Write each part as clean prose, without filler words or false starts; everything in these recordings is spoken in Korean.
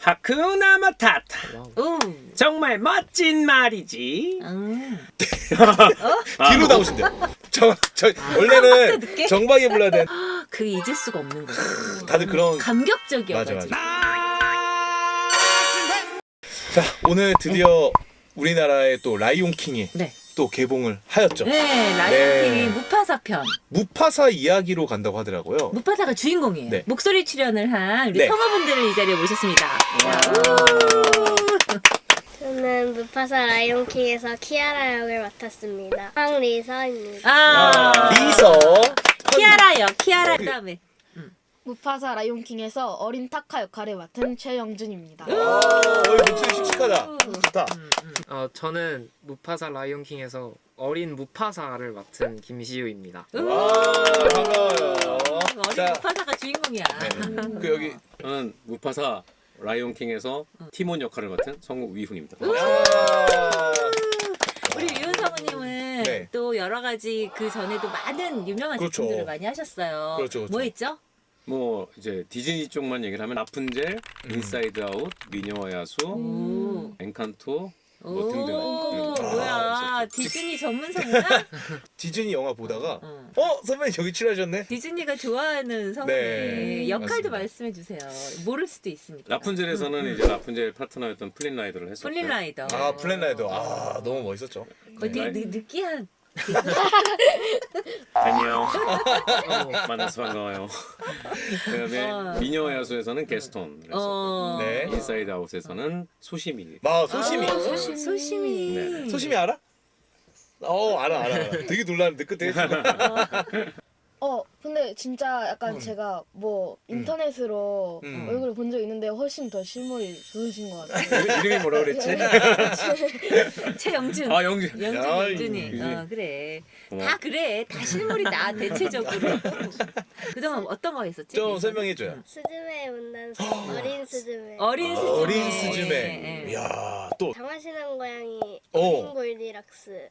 하쿠나 마타타. 오. 정말 멋진 말이지. 뒤로 나오신대요. 원래는 늦게? 정박이 불러야 돼. 그 잊을 수가 없는 거죠. 다들 그런. 감격적이어가지고. 자, 오늘 드디어 우리나라의 또 라이온킹이 네. 또 개봉을 하였죠. 네, 라이온킹 네. 무파사 편. 무파사 이야기로 간다고 하더라고요. 무파사가 주인공이에요. 네. 목소리 출연을 한 우리 네. 성우분들을 이 자리에 모셨습니다. 저는 무파사 라이온킹에서 키아라 역을 맡았습니다. 황리서입니다. 리서. 키아라요. 키아라 그다음에. 무파사 라이온킹에서 어린 타카 역할을 맡은 최영준입니다. 목소리 씩씩하다. 좋다. 저는 무파사 라이온킹에서 어린 무파사를 맡은 김시우입니다. 반가워요. 어린 자, 무파사가 주인공이야. 그 여기 저는 무파사 라이온킹에서 티몬 역할을 맡은 성우 위훈입니다. 우리 유은 성우님은 네. 또 여러 가지 그 전에도 많은 유명한 그렇죠. 작품들을 많이 하셨어요. 그렇죠. 뭐 했죠? 뭐 이제 디즈니 쪽만 얘기를 하면 라푼젤, 인사이드 아웃, 미녀와 야수, 오. 엔칸토 뭐 오, 등등. 뭐야 디즈니 전문성이야? 디즈니 영화 보다가 응. 선배님 여기 칠하셨네. 디즈니가 좋아하는 성우네. 네, 역할도 맞습니다. 말씀해 주세요. 모를 수도 있으니까. 라푼젤에서는 이제 라푼젤 파트너였던 플린 라이더를 했었고요. 플린 라이더. 플랜라이더. 너무 멋있었죠. 거의 되게 느끼한. 안녕. 만나서 반가워요. 그다음에 미녀와 야수에서는 게스톤. 네. 인사이드 아웃에서는 소시미. 소심이. 소심이. 네. 소심이 알아? 알아. 되게 놀랐는데 그때. 근데 진짜 약간 제가 뭐 인터넷으로 얼굴을 본 적 있는데 훨씬 더 실물이 좋으신 것 같아요. 이름이 뭐라 그랬지? 최영준. 영준. 영준이. 유준이. 그래. 고마워. 다 그래. 다 실물이 나 대체적으로. 그동안 어떤 거 했었지? 좀 설명해줘요. 스즈메의 문단속, 어린 스즈메. 어린 스즈메. 어린 스즈메. 네. 이야 또. 장화신한 고양이, 어. 어린 골디락스,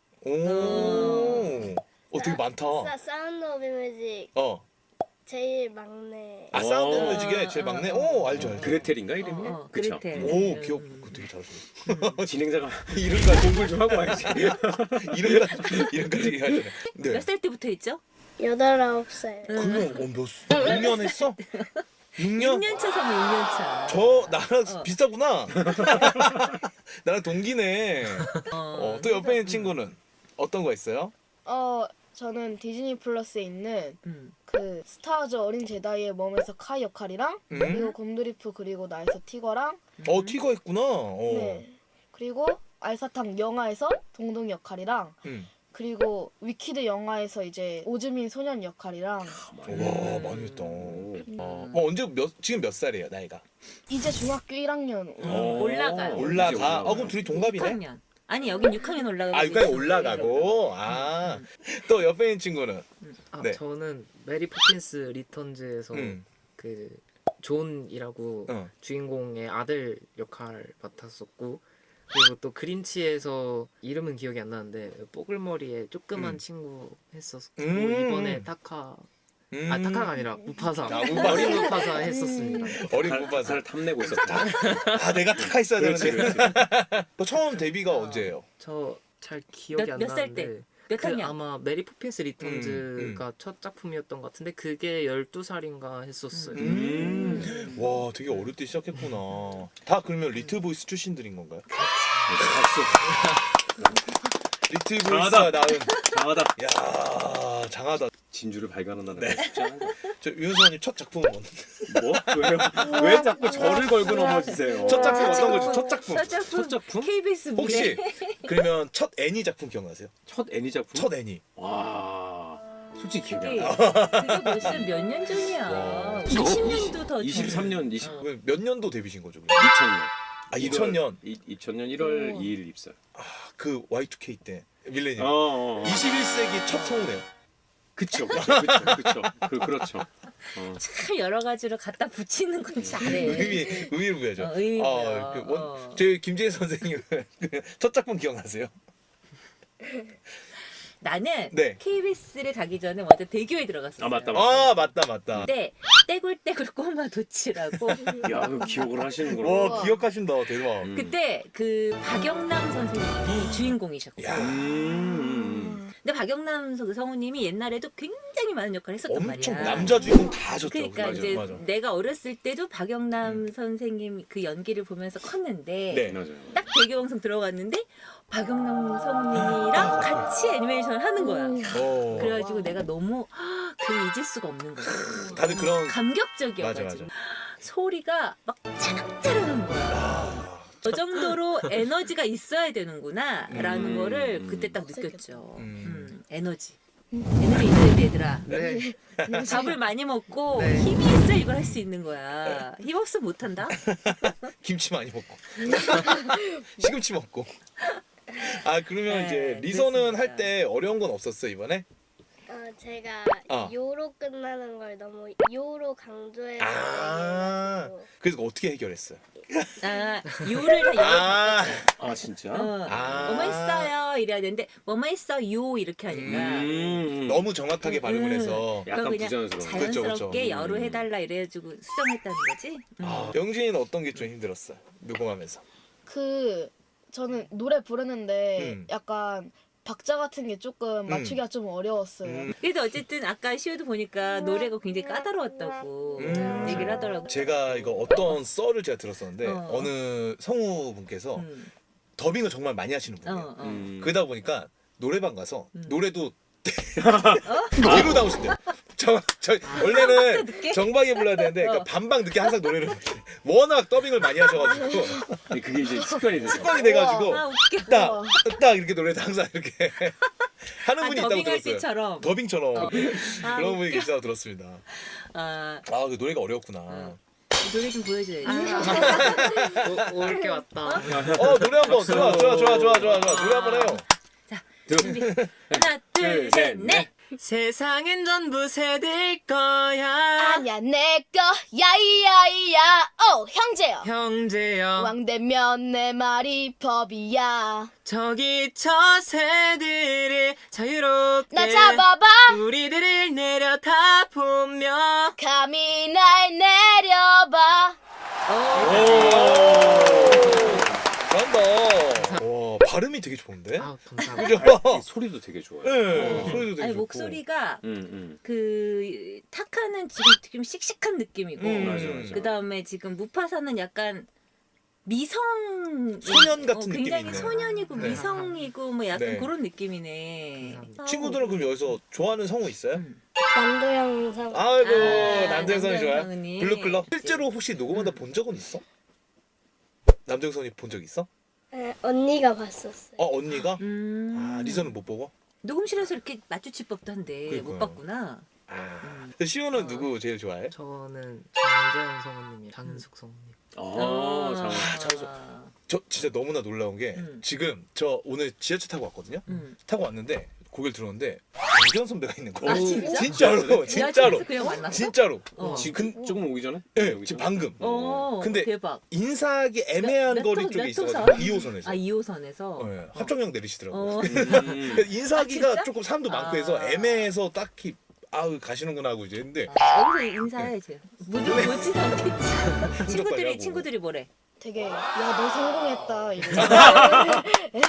되게 많다. 사운드 오브 뮤직, 제일 막내. 사운드 오. 뮤직의 제일 막내. 알죠. 그레텔인가 이름이? 그쵸? 그레텔. 기억 되게 잘하시네. 진행자가 이름까지 공부를 좀 하고 와야지. 이름까지 얘기하시네. 네. 몇 살 때부터 했죠? 8, 9살. 그러면 6년 했어? 6년? 6년 차 성우 6년 차. 나랑 비슷하구나. 나랑 동기네. 또 옆에 있는 친구는 어떤 거 있어요? 저는 디즈니 플러스에 있는 음. 그 스타워즈 어린 제다이의 몸에서 카이 역할이랑 그리고 곰드리프 그리고 나에서 티거랑 티거 했구나. 네. 그리고 알사탕 영화에서 동동 역할이랑 그리고 위키드 영화에서 이제 오즈민 소년 역할이랑 와 많이 했다. 지금 몇 살이에요 나이가? 이제 중학교 1학년 올라가요. 올라가. 그럼 둘이 동갑이네. 6학년. 아니 여긴 6학년 올라가고. 6학년 올라가고. 또 옆에 있는 친구는 네. 저는 메리 포핀스 리턴즈에서 음. 그 존이라고 주인공의 아들 역할 맡았었고, 그리고 또 그린치에서 이름은 기억이 안 나는데 뽀글머리에 조그만 친구 했었고, 이번에 타카 타카가 아니라 무파사. 무파사. 어린 무파사 했었습니다. 어린 무파사를 무파사를 탐내고 있었다. 내가 타카 있어야 그렇지, 되는데. 또 처음 데뷔가 언제예요? 저 잘 기억이 안 몇 살 나는데 때? 몇 학년? 아마 메리 포핀스 리턴즈가 첫 작품이었던 것 같은데 그게 12살인가 했었어요. 와 되게 어릴 때 시작했구나. 다 그러면 리틀 보이스 출신들인 건가요? 박수. 리틀 보이스가 낳은. 장하다. 야 장하다. 진주를 발견한다는 거 쉽지 않은 거. 저 윤수원님 첫 작품은 뭔데? 뭐? 왜요? 왜 자꾸 저를 걸고 넘어지세요? 첫 작품 어떤 거죠? 첫 작품. 첫 작품? KBS 무대. 혹시 그러면 첫 애니 작품 기억나세요? 첫 애니 작품? 첫 애니. 와. 솔직히 기억이 그게 안 나. 그게 벌써 몇 년 전이야. 20년도 더 23년, 몇 년도 데뷔신 거죠? 2000년. 2000년. 2000년 1월 2일 입사. 그 Y2K 때 밀레니엄. 21세기 첫 성우네요. 그쵸. 그렇죠. 참 여러 가지로 갖다 붙이는 건 잘해. 의미부여죠. 의미부여. 저희 김재희 선생님 첫 작품 기억나세요? 나는 네. KBS를 가기 전에 먼저 대교에 들어갔었어요. 아 맞다. 아 맞다. 근데 떼굴떼굴 꼬마 도치라고 야, 그 기억을 하시는구나. 와 기억하신다 대박. 그때 그 박영남 선생님이 주인공이셨고. 야. 근데 박영남 성우님이 옛날에도 굉장히 많은 역할을 했었단 엄청 말이야. 남자 주인공 다 하셨죠. 그러니까 맞아, 이제 맞아. 내가 어렸을 때도 박영남 선생님 그 연기를 보면서 컸는데 네. 맞아요. 딱 대교방송 들어갔는데 박영남 성우님이랑 같이 애니메이션을 하는 거야. 어. 그래가지고 내가 너무 그 잊을 수가 없는 거야. 다들 그런 감격적이어가지고 맞아. 소리가 막 짜락짜락한 거야. 아, 저 정도로 에너지가 있어야 되는구나라는 거를 그때 딱 느꼈죠. 에너지. 에너지 있어야 돼, 얘들아. 네. 밥을 많이 먹고 네. 힘이 있어 이걸 할 수 있는 거야. 힘 없으면 못한다. 김치 많이 먹고 시금치 먹고. 아 그러면 네, 이제 리서는 그랬습니다. 할 때 어려운 건 없었어 이번에? 제가 어. 요로 끝나는 걸 너무 요로 강조해서 아 얘기해가지고 그래서 어떻게 해결했어요? 아, 요를 다 아, 아 진짜? 아. 뭐뭐 했어요 이래야 되는데 뭐뭐 했어요 이렇게 하니까 너무 정확하게 발음을 해서. 약간 그거 그냥 부자연스러운. 그쵸, 자연스럽게 그쵸. 여로 해달라 이래가지고 수정했다는 거지. 아, 영진이는 어떤 게 좀 힘들었어? 녹음하면서. 그 저는 노래 부르는데 음. 약간 박자 같은 게 조금 맞추기가 좀 어려웠어요. 그래도 어쨌든 아까 시우도 보니까 노래가 굉장히 까다로웠다고 얘기를 하더라고. 제가 이거 어떤 썰을 제가 들었었는데 어. 어느 성우분께서 음. 더빙을 정말 많이 하시는 분이에요. 그러다 보니까 노래방 가서 노래도 뒤로 나오신대요. 저 원래는 늦게? 정방에 불러야 되는데 그러니까 반방 늦게 항상 노래를 부르세요. 워낙 더빙을 많이 하셔가지고 아니, 그게 이제 습관이 돼서. 습관이 돼가지고 아 웃겨. 딱 이렇게 노래도 항상 이렇게 하는 분이 있다고 더빙할 들었어요. 때처럼. 더빙처럼 아, 그런 분이 웃겨. 계시다고 들었습니다. 아 그 노래가 어렵구나. 노래 좀 보여줘야지. 올 게 왔다. 노래 한번 좋아 노래 한번 해요. 준비. 하나 둘 셋 넷. 세상엔 전부 새들 거야. 아니야 내꺼 야이야이야 오 형제여 형제여 왕 되면 내 말이 법이야 저기 저 새들을 자유롭게 나 잡아봐 우리들을 내려다 보며 감히 날 내려봐 잘한다. 와 발음이 되게 좋은데? 아 감사합니다. 그죠? 소리도 되게 좋아요. 네, 소리도 되게 아니 좋고. 목소리가 음. 그 타카는 지금 좀 씩씩한 느낌이고 맞아. 그 다음에 지금 무파사는 약간 미성 소년 같은 느낌이 굉장히 있네. 소년이고 네. 미성이고 뭐 약간 네. 그런 느낌이네. 감사합니다. 친구들은 그럼 여기서 좋아하는 성우 있어요? 남도영 상 아이고 아, 남정선이 좋아요. 남정선이. 블루클럽. 실제로 혹시 녹음하다 본 적은 있어? 남정선이 본 적 있어? 언니가 봤었어요. 언니가? 리서는 못 보고? 녹음실에서 이렇게 마주칠 법도 한데 그러니까요. 못 봤구나. 시우는 누구 제일 좋아해? 저는 장재현 성우님이 장은숙 성우님. 장소. 저 진짜 너무나 놀라운 게 지금 저 오늘 지하철 타고 왔거든요. 타고 왔는데 고개를 들었는데 장재현 선배가 있는 거야. 아, 진짜? 진짜로. 지하철에서 그냥 만났어? 진짜로. 지금 조금 오기 전에? 네, 오기 지금 전에? 방금. 근데 대박. 인사하기 애매한 몇 거리 호- 쪽에 몇 있어가지고 호선? 2호선에서. 아 2호선에서. 네, 합정역 내리시더라고요. 어. 인사하기가 아, 진짜? 조금 사람도 많고 해서 아. 애매해서 딱히 가시는구나 하고 이제 했는데 여기서 인사해야지. 무조건 못지 않겠지. 친구들이 하고. 친구들이 뭐래? 되게 야 너 성공했다 이러면서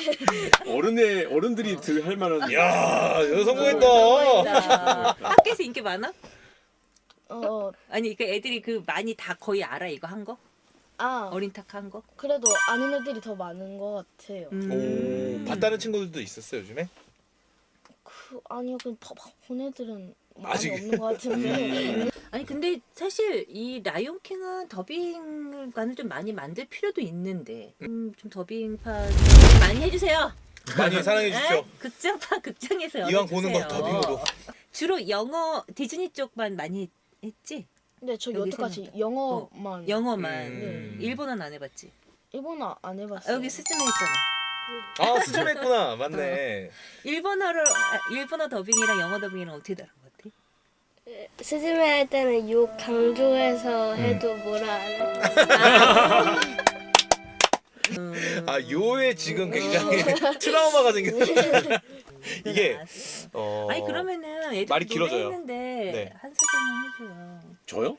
어른들이 들 할 만한. 야, 너 어, 성공했다. 학교에서 인기 많아? 어, 아니 그 애들이 그 많이 다 거의 알아 이거 한 거? 어린 탁 한 거? 그래도 아는 애들이 더 많은 것 같아요 오, 봤다는 친구들도 있었어요 요즘에? 아니요 그냥 본 애들은 많이 아직- 없는 것 같은데 아니 근데 사실 이 라이온킹은 더빙과는 좀 많이 만들 필요도 있는데 좀 더빙파 많이 해주세요. 많이 사랑해 주십시오. 에? 극장파 극장에서 이왕 보는 거 열어주세요. 더빙으로. 주로 영어 디즈니 쪽만 많이 했지? 근데 저 여기 여태까지 세면대. 영어만 영어만 일본어는 안 해봤지? 일본어 안 해봤어요 여기 스즈메 했잖아. 수준했구나. 맞네. 일본어 더빙이랑 영어 더빙이랑 어떻게 다른 것 같아? 스즈메 할 때는 욕 강조해서 해도 뭐라 안 해. 요에 지금 굉장히 트라우마가 생겼어. 이게 나왔어. 아니 그러면은 애들 말이 길어져요. 했는데 네. 한 소절만 해줘요. 저요?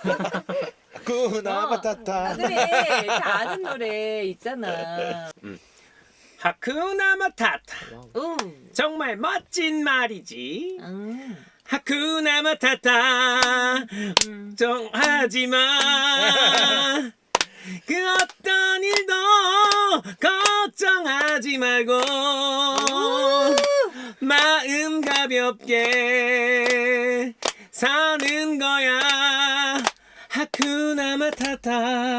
하쿠나 마타타. 그래 다 아는 노래 있잖아. 하쿠나 마타타. 와우. 정말 멋진 말이지. 음. 하쿠나 마타타. 걱정하지마. 그 어떤 일도 걱정하지 말고 마음 가볍게 사는 거야. 하쿠나 마타타.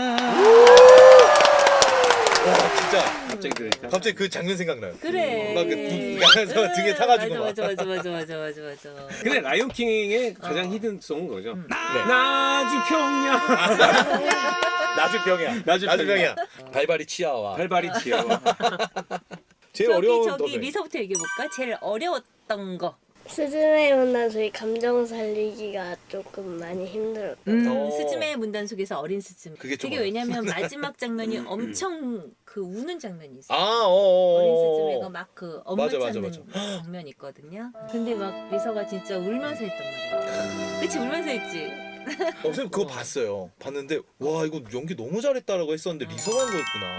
와 진짜 갑자기 들으니까 갑자기 그 장면 생각나요. 그래. 막 야간서 등에 타가지고 막. 맞아. 근데 라이온킹의 가장 히든송은 거죠. 네. 나주평야. 나주병이야. 나주병이야. 발발이 치아와. 발발이 치아와. 제일 어려운 저기 더빙. 리서부터 얘기해볼까? 제일 어려웠던 거. 스즈메의 문단속이 감정 살리기가 조금 많이 힘들었고 스즈메의 문단 속에서 어린 스즈메. 그게 좀 되게 왜냐면 마지막 장면이 엄청 그 우는 장면이 있어. 아, 어린 스즈메가 막 그 엄마 맞아, 찾는 맞아. 장면이 있거든요. 근데 막 리서가 진짜 울면서 했단 말이야. 그치 울면서 했지. 선생님 그거 봤어요. 봤는데 와 이거 연기 너무 잘했다라고 했었는데 리서가 한 거였구나.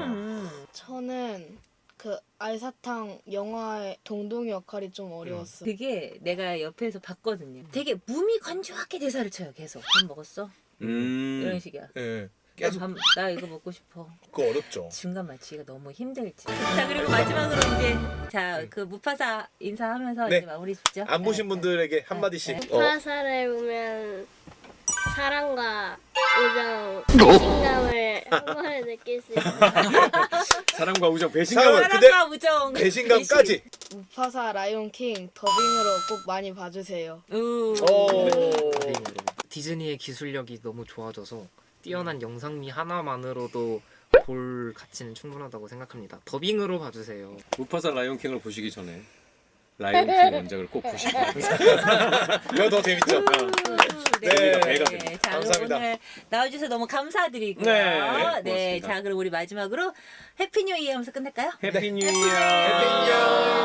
저는 그 알사탕 영화의 동동이 역할이 좀 어려웠어요. 그게 내가 옆에서 봤거든요. 되게 몸이 건조하게 대사를 쳐요. 계속. 밥 먹었어? 이런 식이야. 예. 계속 나 이거 먹고 싶어. 그거 어렵죠. 중간 맞추기가 너무 힘들지. 자 그리고 마지막으로 이제 그 무파사 인사하면서 네. 이제 마무리 짓죠. 안 보신 분들에게 한 마디씩. 무파사를 보면 사랑과 우정, 배신감을 한 번에 느낄 수 있어요. 사랑과 우정, 사랑과 배신감. 근데 사랑과 우정, 배신감까지. 무파사 라이온킹 더빙으로 꼭 많이 봐주세요. 우. 디즈니의 기술력이 너무 좋아져서 뛰어난 영상미 하나만으로도 볼 가치는 충분하다고 생각합니다. 더빙으로 봐주세요. 무파사 라이온킹을 보시기 전에 라이온킹 원작을 꼭 보시기 바랍니다. 이거 더 재밌죠. 네. 배가 네. 자, 감사합니다. 오늘 나와주셔서 너무 감사드리고요. 네, 네. 고맙습니다. 자, 그럼 우리 마지막으로 해피 뉴 이어 하면서 끝낼까요? 해피 뉴 이어. 해피 뉴 이어.